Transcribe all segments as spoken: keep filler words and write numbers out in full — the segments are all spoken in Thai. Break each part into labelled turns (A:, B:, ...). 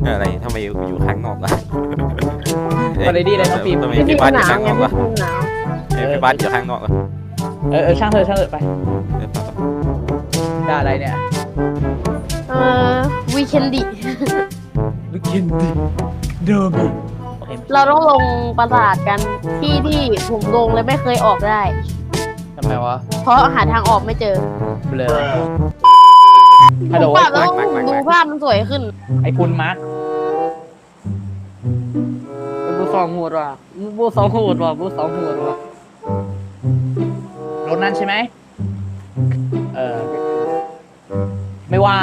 A: อะไรทำไมอยู่ข้างนอกล่ะ
B: มาเลยดีเลยน้องฟิล์ม
A: ทำไมพี่บ้านอยู่ข้างนอกวะ
C: หนาว
A: เอ้ยพี่บ้านอยู่ข้างนอกวะ
B: เออเออช่างเถอะช่างเถอะไป
A: เออไปไป
B: ได้อะไรเนี่ย
C: เออวีเคนดิ
B: ลูกกินดิเดิม
C: เราต้องลงปราสาทกันที่ที่ผมลงแล้วไม่เคยออกได้
B: ทำไมวะ
C: เพราะหาทางออกไม่เจอ
B: เบลอฮัลโหล
C: ผมปรับแล้วดูภาพมันสวยขึ้น
B: ไอ้คุณมาร์ค
D: บูสองหัวว่ะบูสองหัวว่ะบูสองหัวว่ะ
B: รถนั่นใช่ไหมเออไม่ว่าง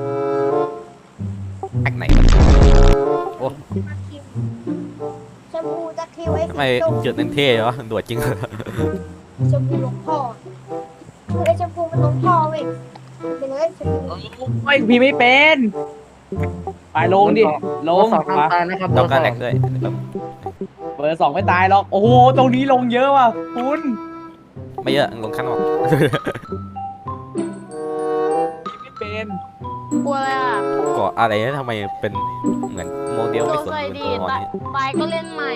A: แม็กไหนโอ้
E: ชมพูตะคริวไอ้
A: ทำไม
E: สีส้ม
A: จุดนั้นเท่วะโดดจริงเหรอ
E: ชมพูหลวงพ่อคือไอ้ชมพูมันหลวงพ่อเว้ยเป็นเลยชมพู
B: โอ้ยพี่ไม่เป็นไปลงดิลง
D: สองทาง
B: มา
D: ตายนะครับ
A: ต้องการแหลกด้วยแบบ
B: เบอร์สองไม่ตายหรอกโอ้โหตรงนี้ลงเยอะว่ะคุณ
A: ไม่เยอะลงข้างนอก
B: พี่ไม่เป็น
C: กลัวอะไรอ่ะ
A: เกาะอะไรนะทำไมเป็นเหมือนโมเดล
C: โด
A: ไม่
C: น
A: สม
C: ใส่
A: บูร
C: ดี
A: ณ์ตอน
C: ตาย
A: นี้
C: ตายก็เล่นใหม่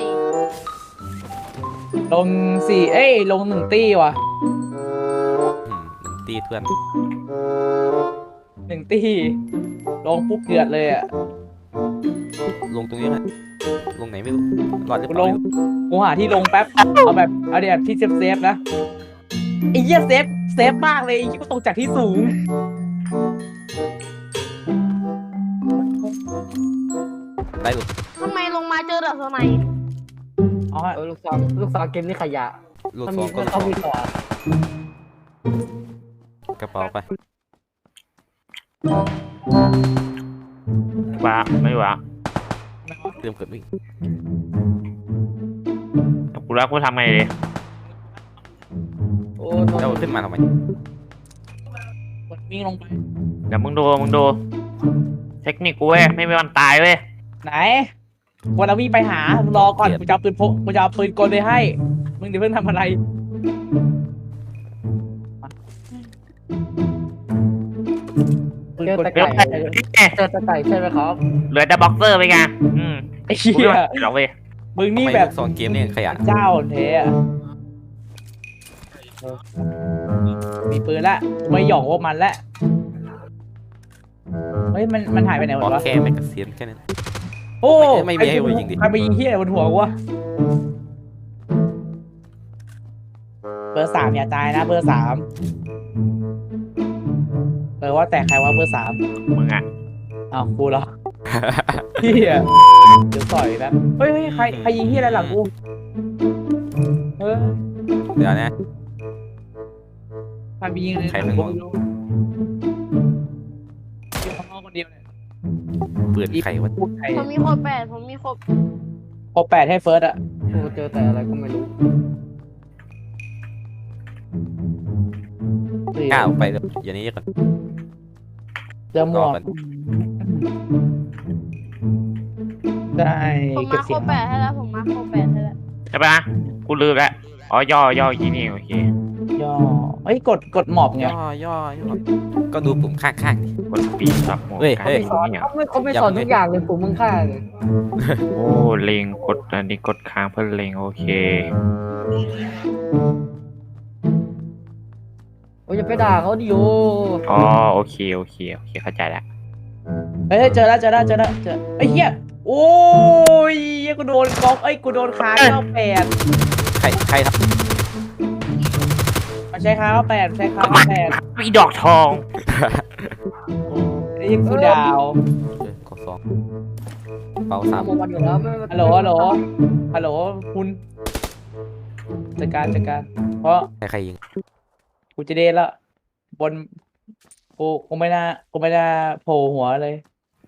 B: ลงสี่เอ้ยลงหนึ่งตี้ว่ะ
A: อืมตีเพื่อน
B: หนึ่งตี้ลงปุ๊บเดือดเลยอ่ะ
A: ลงตรงนี้ไหมลงไหนไม่รู้รอดหรือ
B: กู
A: เป
B: ล
A: ล่าง
B: กูหาที่ลงแป๊บเอาแบบเอาเดี๋ยวที่เซฟเซฟนะไอ้เหี้ยเซฟเซฟมากเลยไอ้เหี้ยกูตกจากที่สูง
A: ได้หรือ
C: ทำไมลงมาเจอแต่สไน
B: อ๋อ
D: เออลูกสาวลูกสาวเกมนี่ขยะ
A: ลูก
D: ถ้า
A: ซ
D: มี
A: องก็
D: ถ้า
A: ลูกซอง
D: เขามีต่อก
A: ระเป๋าไป
F: ว้าไม่ว้า
A: เตรียมเกิดวิ่ง
F: กูรักกูทำไงดี
D: โอ้
A: แล้วขึ้นมาทำไม
B: กดวิ่งลงไป
F: เดี๋ยวมึงดูมึงดูเทคนิคกูเว้ยไม่มีวันตายเว้ย
B: ไหนวันเราวิ่งไปหามึงรอก่อนกูจะเอาปืนพกกูจะเอาปืนกลไปให้มึงเดี๋ยวเพิ่งทำอะไรปืน
D: เจอก
B: ล
D: ตะ
F: เดี๋
D: ไก่
F: ยว
D: เจอตะไก่ใช่ไหมครับ
F: เหลือแต่บ็อกเซอร์ไปไงอืม
B: ไอ้
F: กู
B: เหี้
F: ไม่
B: ย
F: ไหวหรอกเว้ย
B: มึง
A: ทำ
B: นี่
A: ไม
B: แบ
A: ลู
B: บ
A: กซองเกมนี่ขยัน
B: เจ้าเทอะมีปืนละไม่หย่องพวกมันละเฮ้ยมันมันหายไปไหนหม
A: บอ
B: ด
A: ก
B: วะ
A: แค่ไม่กระเซียนแค่นั้น
B: โอ้
A: ไม่ไม่มีให้กูยิงดิ
B: ใครไปยิงเฮียอะไรบนหัวกูวะเบอร์สามอย่าตายนะเบอร์สามเออว่าแต่ใครว่าเบอร์สาม
F: มึงอ่ะ
B: อ้าวกูเหรอเฮียเดี๋ยวต่อยนะเฮ้ยเฮ้ยใครใครยิงเฮียอะไรหลังกูเออ
A: เดี๋ยวนะ
B: ใครไปยิงเลย
A: ใครเป็น
B: กู
A: คน
B: ไม่รู้ยิงข้างนอกคนเดียวเนี่ย
A: ปืนใครวะ
B: พูดใคร
C: ผมมีครบแปดผมมีครบ
B: ครบแปดให้เฟิร์สอะ
D: โอ้เจอแต่อะไรก็ไม่รู้
A: กล้าออกไปเลยอย่างนี้ก่อน
B: เจอหม
A: รอ
B: วก
A: ก่อน
B: ได้
C: ผม
B: เก็บ
C: มาค
B: เสี
C: ร
B: ย
C: บ
B: ง
C: แปดให้แล้วผมมาครบแปดให้แล้ว
F: ใช่ปะกูลืมแล้วอ๋อย่อย่อยี่นี่โอเค
B: ย่อเฮ้ยกดกดหมอบไง
A: ย่อย่อย่อก็ดูปุ่มข้างๆดิ
F: กดปีสับหมด
A: เฮ้ย
F: การ
A: เฮ้ย
D: สอน
F: เนี่ย
D: เขาไม่เขาไม่สอนทุกอย่างเลยผมมึงฆ่าเลย
F: โอ้เล็งกดอันนี้กดค้างเพื่อเล็งโอเค
D: โอ้ยอย่าไปด่าเขาดิโอ
F: อ๋อโอเคโอเคโอเคเข้าใจแล้ว
B: เฮ้ยเจอแล้วเจอแล้วเจอแล้วเจอไอ้เหี้ยโอ้ยกูโดนก๊อกเอ้ยกูโดนคาเก้าแปด
A: ใครใครท
B: มันใช้คาเก้าแปดใช้คา
F: ก็
B: เก้า
F: มัน
B: แปด
F: มีดอกทอง
B: นี่กูดาว
A: ำเออขอสองเป่าสาม
D: โมวันอยู่แล้วไม่
B: ฮัลโหลฮัลโหลฮัลโหลคุณจัดการจัดการเพราะ
A: ใครใครยิง
B: กูจะเดนละบนกูกูไม่น่ากูไม่น่าโผล่หัวเลย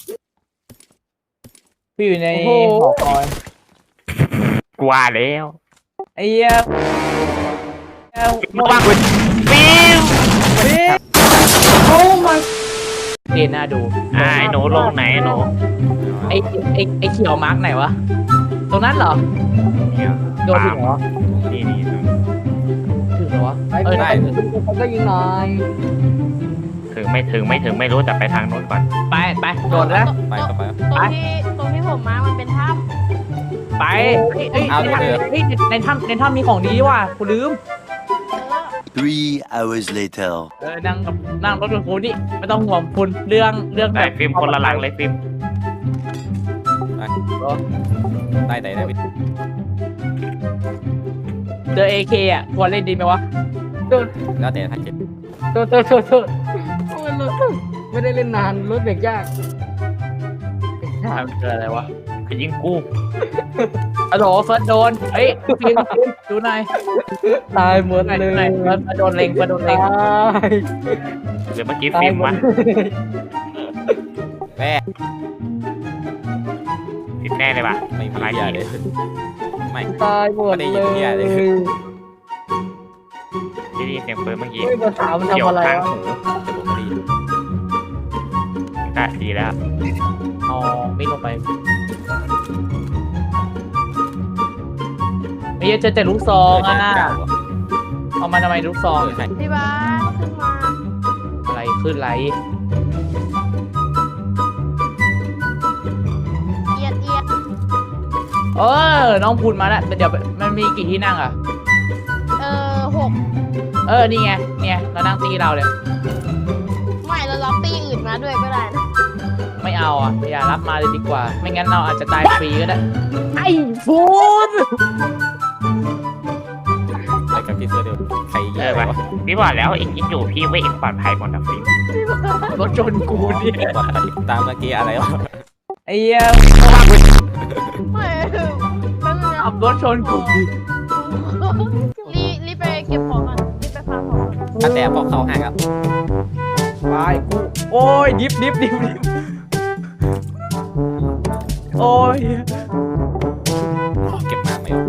B: พี่อยู่ในหอคอย
F: กว่าแล้ว
B: ไอ้เหี้ยเอ้า
F: ระวังฟิว
B: โอ้มาเดนน่าดู
F: อ่าไอ้หนูลงไหนไอ้หนู
B: ไอ้ไอ้ไอ้เขียวมาร์กไหนวะ ตรงนั้นเหรอ
F: เนี่ย
B: โดนถึงเหรอ
F: นี่นี่
B: ถึงเหรอวะ
D: ไปไปไปเขาก็ยิงหน่อย
F: ถึงไม่ถึงไม่ถึงไม่รู้แต่ไปทางนู้นก่อน
B: ไปไปโดดแล้ว
A: ไปก็ไป
C: ตรงที่ตรงที่ผมมามันเป็นถ้
B: ไปเอ้ยเอ้ย
A: เอา
B: ใน
A: เดี๋ยว
B: ถ้ำเฮ้ยในถ้ำในถ้ำมีของดีว่ะกูลืม
C: ำ
G: Three hours later.
B: เออนั่งกับนั่งรถกับกูนี่ไม่ต้องห่วงคุณเรื่องเรื่อง
F: ได้ฟิล์มคนละหลังเลยฟิล์ม
A: ได้ได้ได้
B: เจอเอเคอ่ะควรเล่นดีไหมวะ
A: แล้วแต่ท่านเจ็ด
D: โทษโทษโทษโทษโอ้ยรถไม่ได้เล่นนานรถเบรกยาก
B: ถามเจออะไรวะ
F: ไปยิงกู
B: อะโหลเฟิร์สโดนเฮ้ยฟิล์มฟิล์มดูหน่อย
D: ตายหมด
B: หน่อย
D: เล
B: ดู
D: ย
B: หน่อยเฟิร์สโดนเล็งเฟิร์สโดนเล็ง
D: ตาย
F: เดี๋ยวเมื่อกี้
D: ตาย
F: ฟิล์ม
D: หมด
F: วะ
D: เลย
A: แม่
F: ติดแน่เลยปะ
A: ไม่มีเหี้ยเลยไม่
D: ตายหมด
A: ไม่ได้ยินเหี้ยเลย
F: ที่ได้ยินเสียงปืนเมื่อกี้
D: เฮ้ยภาษามัน
F: เกี่ยว
D: ทำอะไร
F: ข้าง
D: วะ
F: หู
A: แต่ผมไม่ได้ยิน
F: ได้ดีแล้ว
B: อ๋อไม่ลงไปไอ้เหี้ยเจอแต่ลูกซองอ่ะเอามาทำไมลูกซอง
A: ใช่
C: พี่บ้านขึ้นมา
B: อะไรขึ้นไร
C: เอียดเอียด
B: เออน้องพูดมาแล้วเดี๋ยวมันมีกี่ที่นั่งอ่ะ
C: เออหก
B: เออนี่ไงเนี่ยเรานั่งตีเราเลย
C: ไม่เราล็อบตี้อื่นมาด้วยก็ได้นะ
B: ไม่เอาอ่ะอย่ารับมาเลยดีกว่า ไม่งั้นเราอาจจะตายฟรีก็ได้ไอ้ฟูน
A: ไปกับพี่เสื้อเดียวใครเย
F: เอ
A: อะ
F: อ
A: ไป
F: ปะ
A: วะ
F: พี่บอกแล้วอีกคิดอยู่พี่ว่าเองปลอดภัยหมดนะฟิล์ม
B: รถชนกูเนี่ย
A: ปลอดภัยตามเมื่อกี้อะไรวะ
B: ไอ้เหี้ย
C: ไม่แป๊บนึงนะ
B: ขับรถชนกู
C: รีรีบไปเก็บของก่อนรีบไปฟาร์มของก่อน
A: ถ้าแต่พอเข้าห้างครับ
B: ตายกูโอ้ยดิฟดิฟดิฟดิฟโอ้ย
A: เก็บมาไม่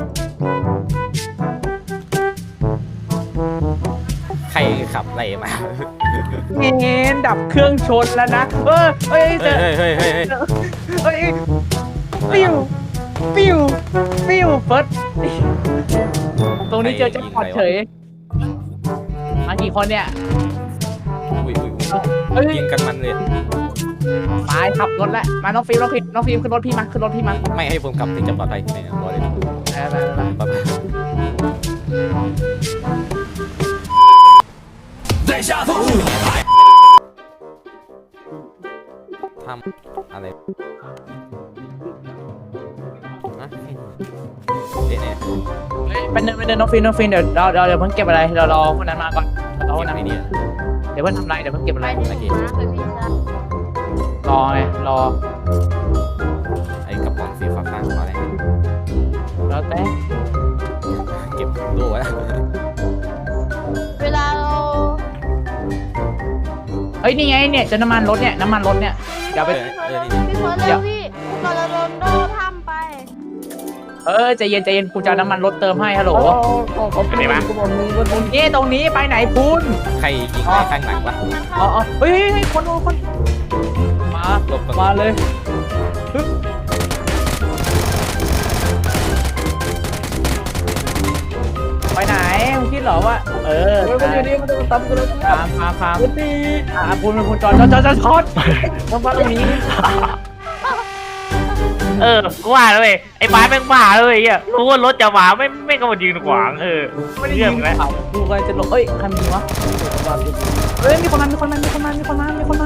A: ใครขับอะไรมา
B: เงี้ยดับเครื่องชนแล้วนะเออเฮ้ยเจ
A: เฮ้
B: อย
A: เฮ้ยเฮ้ยเฮ้ย
B: เฮ้ยปิ้วปิ้วปิ้วเฟิร์สตรงนี้เจอแจ็คพอตเฉยมากี่คนเนี่ย
A: อุ้ยอุ้ย
B: เฮ้ย
A: ยิงกันมันเลย
B: ไปขับรถแล้วมาน้องฟิล์มน้องฟิล์มน้องฟิล์มขึ้นรถพี่มาขึ้นรถพี่มา
A: ไม่ให้ผมขับถึงจะปลอดภัยที่ไหนนะบอกเลย
B: ไปไปไป
A: ปลอดภัยทำอะไรอะเอ๊ะเนี่ย
B: ไปเดินไปเดินน้องฟิล์มน้องฟิล์มเดี๋ยวเราเราเดี๋ยวเพิ่งเก็บอะไรเรารอคนนั้นมาก่อนรอคนนั้น
A: ไอ้เนี่ย
B: เดี๋ยวเพิ่งทำอะไรเดี๋ยวเพิ่งเก็บอะไร
C: ไปที่หนูนะไปพี่จ้าร
B: อไงรอ
A: ไอ้กระป๋องสีฟ้าๆของอะไร
B: แล้วแต่
A: เก็บดูไว้
C: เวลาเรา
B: เฮ้ยนี่ไงเนี่ยจะน้ำมันรถเนี่ยน้ำมันรถเนี่ยเดี๋ยวไป
C: พี่เฟิร์สเร็วพี่เฟิร์สเร็วพี่ก่อนเราโดนโดนทำไป
B: เออใจเย็นใจเย็นกูจะเอาน้ำมันรถเติมให้ฮัลโหล
D: โอ้ขอขอบคุณกูบอกมึงว่ามึง
B: นี่ตรงนี้ไปไหนคุณ
A: ใครยิงไอ้ข้างหลังวะ
B: อ๋ออ๋อเฮ้ยเฮ้ยเฮ้ยคนคนคนมา
A: หลบก่อน
B: มาเลยฮึบไปไหนมึงคิดเหรอว่าเออ
D: เฮ้ยมันอยู่นี่มันจะตามกูเลย
B: ฟาร์มฟาร์มฟาร์ม
D: กูตี
B: อ่าคุณเป็นคุณจอดจอดจอดจอดจอดต้องมาตรงนี้
F: เออกูว่าเลยไอ้บ้านแม่งบ้าเลยอ่ะรู้ว่ารถจะมาไม่ไม่ก็มายืนขวางเออ
B: ไม่ได้
F: เรื่
B: ยิ
F: อง
B: ง
F: แล้ว
B: เขาดูกันจะหลบเอ้ยใครมีวะเอ้ยมีคนมามีคนมามีคนมามีคนมามีคนมา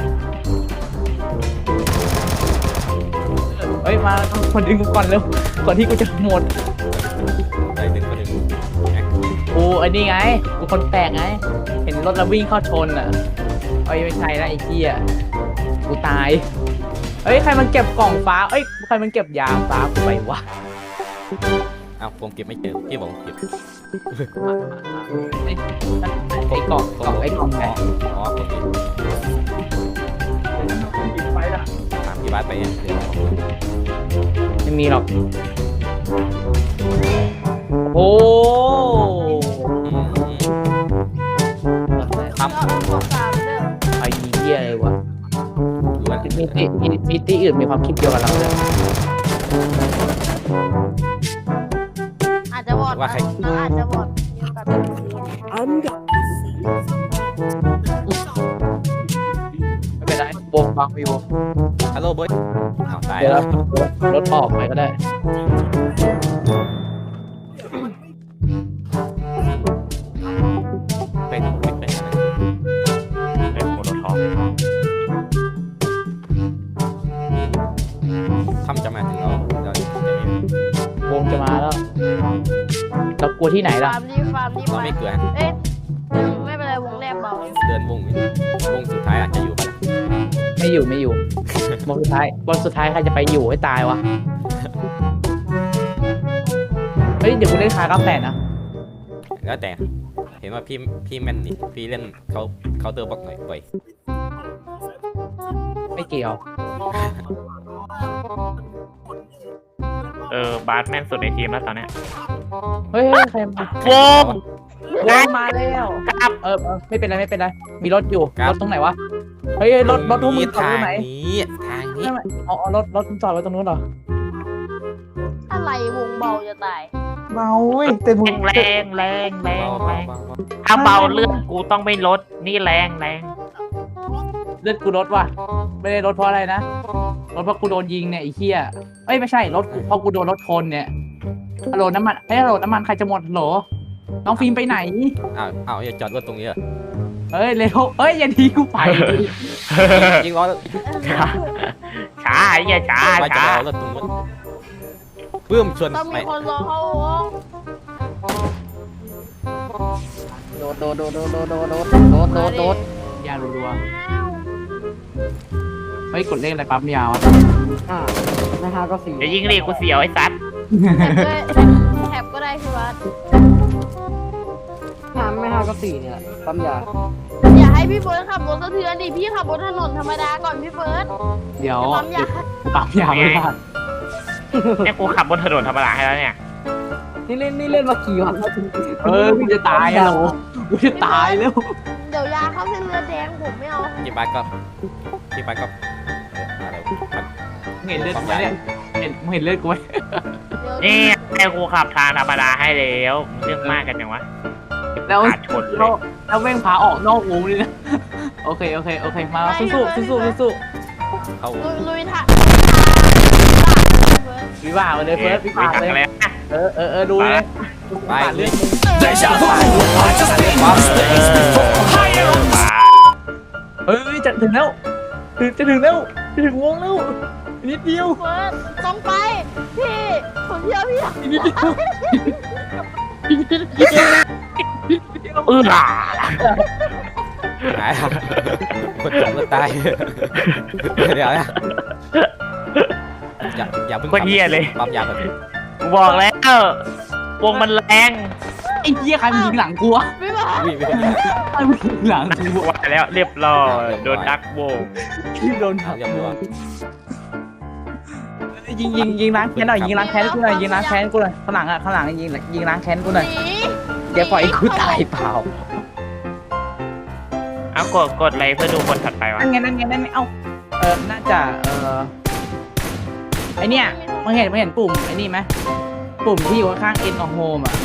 B: เฮ้ยมาคนดึงกูก่อนเร็วก่อนที่กูจะหมด
A: ไปดึงไปดึง
B: กูไอ้นี่ไงกูคนแปลกไง เห็นรถแล้ววิ่งเข้าชนอ่ะเอ้ยไม่ใช่นะไอ้เหี้ยกูตายเอ้ยใครมันเก็บกล่องฟ้าเอ้ยใครมันเก็บยาฟ้ากูไปวะ
A: อ้าวผมเก็บไม่เจอพี่บอกเก็บ
B: ไอ้ไอ้กล่องกล่องไอ้กล่องแหน
A: อ๋อโอเค
B: ไปละ
A: ถามพี่บ้านไปยังเดี๋ยว
B: ไม่มีหรอกโอ้
A: ทำ
C: ก็ขอสามเด้อ
B: ไอ้เหี้ยอะไรวะ
A: ดูว่า
B: มีตีมีมีตีอื่นมีความคิดเดียวกับเราเลย
C: อาจจะวอดนะเราอาจจะวอดมีโอกาสเป็น
B: เวงบังวิว
A: ฮัลโหลเบิร์ดอ้าวตาย
B: เดี๋ยว
A: แล้ว
B: รถออกไปก็ได้
A: เป็นเป็นเป็นอะไร
F: เป็นโมโนทอป
A: ทำจะมาถึงเราเราจะไม่
B: วงจะมาแล้วเรากลัวที่ไหนล่ะ
C: ฟาร์มรีบฟาร์มรีบ
A: เรา
C: ไป
A: ไม่เกลือ
C: เอ๊ะไม่เป็นไรวงแรกเบา
A: เดินวงวงสุดท้ายอาจจะอยู่ปะ
B: ไม่อยู่ไม่อยู่ วงสุดท้ายบนสุดท้ายใครจะไปอยู่ให้ตายวะเฮ้ยเดี๋ยวกูเล่นคาร์กาแฟนะ
A: แล้วแต่เห็นว่าพี่พี่แม่นนี่พี่เล่นเขาเขาเตอร์บอกหน่อยบ่อย
B: ไม่เกี่ยว
F: เออบาสแม่นสุดในทีมแล้วตอนเนี้ย
B: เฮ้ยเฮ้ยใครมาว
F: ง
B: วงมาแล้ว
F: ครับ
B: เออเออไม่เป็นไรไม่เป็นไรมีรถอยู่รถตรงไหนวะเฮ้ยเฮ้ยรถรถทุกมึงจอด
A: ทา
B: ไว้
A: ง
B: ไหน
A: นี้ทางนี้
B: ไม่ไม่เอาเอารถรถมึงจอดไว้ตรงนู้นเหรอ
C: อะไรวงเบาจะตาย
B: เมาเว้ยเต็ม
F: แรงแรงแรงแรง
A: เบา
F: แร
A: เบาง เบาเบา
F: ถ้าเบาเลือดกูต้องไม่ลดนี่แรงแรง
B: เลือดกูรถว่ะไม่ได้รถเพราะอะไรนะรถเพราะกูโดนยิงเนี่ยไอ้เหี้ยเอ้ยไม่ใช่รถกูเพราะกูโดนรถชนเนี่ยฮัลโหลน้ำมันเฮ้ยฮัลโหลน้ำมันใครจะหมดฮัลโหลน้องฟิล์มไปไหน
A: อ้าวอ้าวอย่าจอดรถตรงนี้เหรอ
B: เฮ้ยเร็วเฮ้ยอย่าทีกูไปดิ
A: ยิงล้อ
F: ช้าไอ้เหี้ยช้า
A: ไปจะ
F: ช้าร
A: อรถตรงนู้นเพิ่มชวน
C: ต้อง
A: ไป
C: มีคนรอเข้าวง
D: โดดโดดโดดโดดโดดโดดโดดโดดโดดโดด
B: ยารัวๆเฮ้ยกดเลขอะไรปั๊มยาวอ่ะ
D: อ่านะฮะก็สี่
F: เดี๋ยวยิงดิกูเสียวไอ้ซัด
C: แถบก็ได้คือว่า
D: ห้าไม่ห้าก็สี่เนี่ยปั๊มยา
C: อย่าให้พี่เฟิร์สขับรถสะเทือนดิพี่ขับบนถนนธรรมดาก่อนพี่เฟิร์ส
B: เดี๋ยว
C: ปั๊มยา
B: ปั๊มยาไม่ได้
F: เนี่ยกูขับบนถนนธรรมดาให้แล้วเนี่ย
D: นี่เล่นนี่เล่นมากี่วันแล้ว
B: เออกูจะตายอ่ะโหกูจะตายแล้ว
C: เดี๋ยวยาเข้าเส้นเลือดแดงผมไม่เอา
A: พี่บาสก็พี่บาสก็เอออะไรมัน
B: มึงเห็นเลือดกูไหมเนี่ยเห็นมึงเห็นเลือดกูไหม
C: เดี๋ยว
F: นี่ไอ้กูขับทางธรรมดาให้แล้วมึงเรื่องมากกันยังวะ
B: แล้ว
F: ขาดชนเล
B: แล้ว
F: ย
B: แล้วแม่งพาออกนอกวงเลยนะโอเคโอเคโอเคมาสู้สู้สู้สู้สู้
A: เขา
C: ลุยลุยทาง
B: วิวามาเลยเฟิร์สวิวาเลย
F: แล้ว
B: เออเออเออดูเลย
A: ไป
B: ปาด
A: เล
B: เลื
A: ย
B: อดมึง เฮ้ยจะถึงแล้วถึงจะถึงแล้วจะถึงวงแล้วนิดเดียว
C: เฟิร์สต้องไปพี่ผมเชื่อพี่
B: นิดเดียว
F: เออ
A: หายคนจมก็ตายเดี๋ยวนะอย่าอย่าเพิ่ง
F: คนเหี้ยเลย
A: ปั๊มยาแบบ
F: กูบอกแล้ววงมันแรง
B: ไอ้เหี้ยใครมันยิงหลังกูวะ
C: ไม่มา
A: วิ่งไปคนเดียว
B: ใครมันยิงหลังกู
F: กูว่าแล้วเรียบร้อยโดนดักโบง
B: ที่โดน
A: เอาเรียบร้อย
B: ยิงยิงยิงล้างแค้นหน่อยยิงล้างแค้นกูหน่อยยิงล้างแค้นกูหน่อยข้างหลังอ่ะข้างหลังยิงยิงล้างแค้นกูหน่อย
C: หนี
B: เดี๋ยวปล่อยกูตายเปล่า
F: เอากดกดอะไรเพื่อดูคนถัดไปวะ
B: นั่นไงนั่นไงนั่นไงเอ้าเออน่าจะเออไอเนี้ยมึงเห็นมึงเห็นปุ่มไอ้นี่ไหมปุ่มที่อยู่ข้าง end of home อ่ะ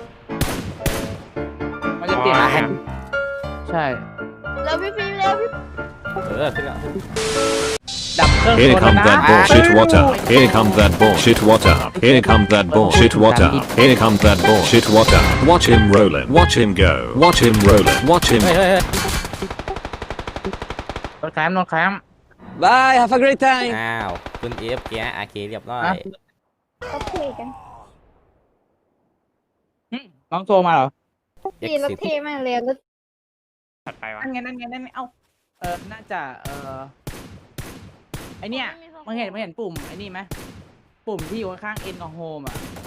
B: มันจะเปลี่ยน
F: อ๋อ
B: ใช่
C: แล้วพี่ฟิล์มแล้วพี่
A: เออขึ้นแล้ว
B: ดับเครื่อง
G: Here
B: โซน
G: comes
B: แล้ว
G: that
B: นะ
G: bullshit water. Here comes that bullshit water. Here comes that bullshit water. Here comes that bullshit water. Watch him roll it. Watch him go. Watch him roll it. Watch him.
A: เฮ้ยเฮ้ยเฮ้ย
B: โดนแคมป์โดนแคมป์
D: Bye have a great time
A: อ้าวคุณเอฟแกอาเคเรียบร้อย
B: ฮะ
E: ก็เทกัน
B: หึน้องโทรมาเหรอ
E: พี่รถเทมากเลยรถ
F: ถัดไปวะ
B: นั่นไงนั่นไงนั่นไงเอ้าเออน่าจะเออไอเนี้ยมึงเห็นมึงเห็นปุ่มไอ้นี่ไหมปุ่มที่อยู่ข้าง end of home อ่ะ